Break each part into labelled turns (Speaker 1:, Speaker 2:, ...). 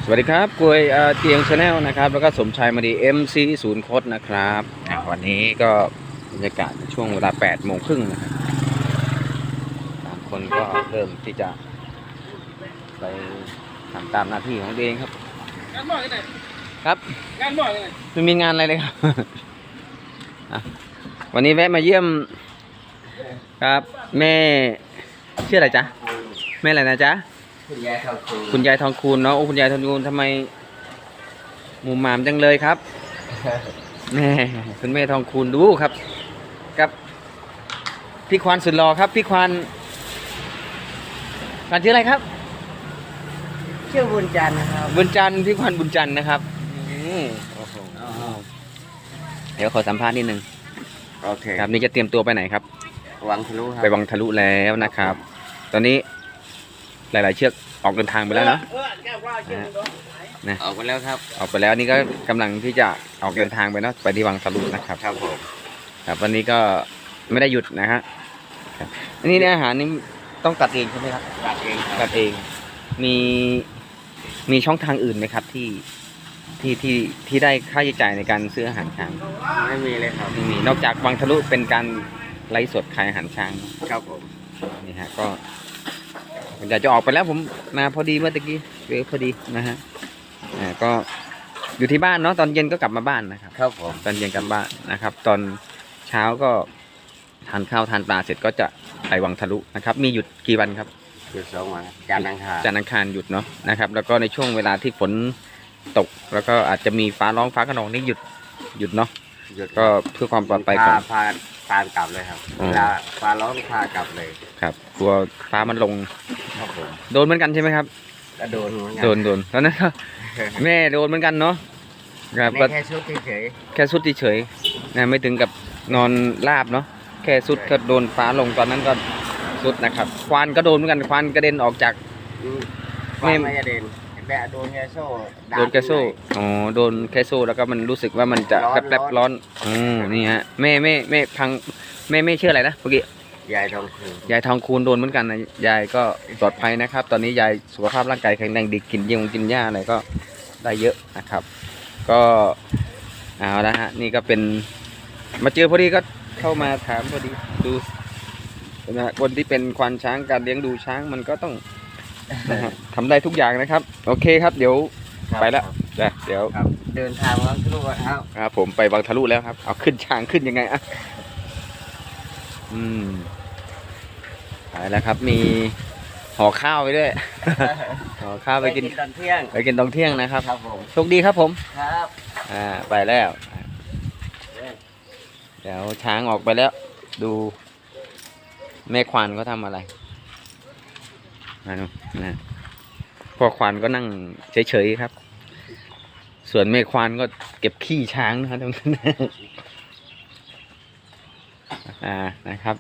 Speaker 1: สวัสดีครับกวยเตียงชาแนลนะครับแล้วก็สมชายมาดี MC ศูนย์โคดนะครับวันนี้ก็บรรยากาศช่วงเวลา8 โมงครึ่งนะครับบางคนก็เริ่มที่จะไปทำตามหน้าที่ของตัวเองครับ
Speaker 2: งานบ่อยกันไหน
Speaker 1: ครับ
Speaker 2: งานบ่อยกันไหน
Speaker 1: ไม่มีงานอะไรเลยครับวันนี้แวะมาเยี่ยมครับแม่ชื่ออะไรจ๊ะแม่อะไรนะจ๊ะ
Speaker 3: คุณยายทองคูณ
Speaker 1: คุณยายทองคูณเนาะโอ้คุณยายทองคูณทำไมหมู่หมามจังเลยครับแม่คุณแม่ทองคูณดูครับกับพี่ควานสุดหล่อครับพี่ควานชื่ออะไรครับ
Speaker 3: ชื่อบุญจันทร์นะครับ
Speaker 1: บุญจันทร์พี่ควานบุญจันทร์นะครับโอ้โหเดี๋ยวขอสัมภาษณ์นิดนึง
Speaker 3: โอเค
Speaker 1: ครับนี่จะเตรียมตัวไปไหนครับ
Speaker 3: วังทะลุครับ
Speaker 1: ไปวังทะลุแล้วนะครับ ตอนนี้หลายๆเชือกออกเดินทางไปแล้วเนาะนะ
Speaker 3: ออกไปแล้วครับ
Speaker 1: ออกไปแล้วนี่ก็กำลังที่จะออกเดินทางไปเนาะไปที่วังทะลุนะครับ
Speaker 3: ครับผม
Speaker 1: ครับวันนี้ก็ไม่ได้หยุดนะฮะครับอันนี้เนี่ยอาหารนี่ต้องตัดเองใช่ไหมครับ
Speaker 3: ตัดเองค
Speaker 1: ตั
Speaker 3: รับ
Speaker 1: ดเองมีช่องทางอื่นไหมครับที่ได้ค่าใช้จ่ายในการซื้ออาหารช้าง
Speaker 3: ไม่มีเลยครับ
Speaker 1: ไม่มีนอกจากวังทะลุเป็นการไลฟ์สดขายอาหารช้าง
Speaker 3: ครับผม
Speaker 1: นี่ฮะก็ผมอยากจะออกไปแล้วผมมาพอดีเมื่อตะกี้เจอพอดีนะฮะก็อยู่ที่บ้านเนาะตอนเย็นก็กลับมาบ้านนะครับ
Speaker 3: ครับผม
Speaker 1: ตอนเย็นกลับบ้านนะครับ ตอนเช้าก็ทานข้าวทานปลาเสร็จก็จะไปวังทะลุนะครับ มีหยุดกี่วันครับ
Speaker 3: หยุด2 วันจันทร์อังคาร
Speaker 1: จันทร์อังคารหยุดเนาะนะครับ แล้วก็ในช่วงเวลาที่ฝนตก แล้วก็อาจจะมีฟ้าร้องฟ้าขนองนี่หยุดเนาะ
Speaker 3: หยุด
Speaker 1: ก็เพื่อความปลอดภัยของ
Speaker 3: พากลับเลยครับ
Speaker 1: อ๋อ
Speaker 3: เวลาฟ้าร้องพากลับเลย
Speaker 1: ครับกลัวฟ้ามันลง
Speaker 3: ครับผม
Speaker 1: โดนเหมือนกันใช่ไหมครับ
Speaker 3: ก็โดนเหมือนกัน
Speaker 1: โดนตอนนั้นก็แม่โดนเหมือนกันเนาะครับ
Speaker 3: นี่
Speaker 1: ก็
Speaker 3: แค่ชุดเฉย
Speaker 1: แค่สุดเฉยๆนะไม่ถึงกับนอนราบเนาะแค่สุดก็โดนฟ้าลงตอนนั้นก็สุดนะครับควานก็โดนเหมือนกันควานกระเด็นออกจาก
Speaker 3: ๆฟ้าไม่จะเด่นแต่โดนแค่โซ่ดาบ
Speaker 1: โดนแค่โซ่อ๋อโดนแค่โซ่แล้วก็มันรู้สึกว่ามันจะ
Speaker 3: ร้อน
Speaker 1: แป๊บๆร้อนนี่ฮะแม่พังแม่ชื่ออะไรนะเมื่อกี้
Speaker 3: ยายทองคูณ
Speaker 1: ยายทองคูณโดนเหมือนกันนะยายก็ปลอดภัยนะครับ ตอนนี้ยายสุขภาพร่างกายแข็งแรงดีกินกินหญ้าอะไรก็ได้เยอะนะครับ ก็เอาละฮะนี่ก็เป็นมาเจอพอดีก็เข้ามาถามพอดีดูนะคนที่เป็นควานช้างการเลี้ยงดูช้างมันก็ต้องนะฮะทำได้ทุกอย่างนะครับ โอเคครับเดี๋ยว
Speaker 3: ครับ
Speaker 1: ไปแล้วเดี๋ยว
Speaker 3: ครับเดินทางวังทะลุครับ
Speaker 1: ครับผมไปวังทะลุแล้วครับเอาขึ้นช้างขึ้นยังไงอะไปแล้วครับมีห่อข้าวไปด้วย ห่อข้าวไปกิน
Speaker 3: ตอนเที่ยง
Speaker 1: ไปกินตอนเที่ยงนะครับ
Speaker 3: ครับผม
Speaker 1: โชคดีครับผม
Speaker 3: ครับ
Speaker 1: ไปแล้วเดี๋ยวช้างออกไปแล้ว ดูแม่ควานเขาทำอะไรมาดูนะพ่อควานก็นั่งเฉยๆครับ ส่วนแม่ควานก็เก็บขี้ช้างนะครับตรงนั้นนะครับ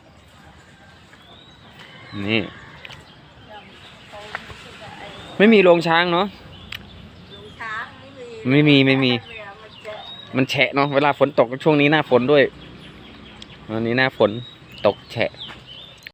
Speaker 1: นี่ไม่มีโรงช้างเนาะไม่มีมันแฉะเนาะเวลาฝนตกช่วงนี้หน้าฝนด้วยวันนี้หน้าฝนตกแฉะ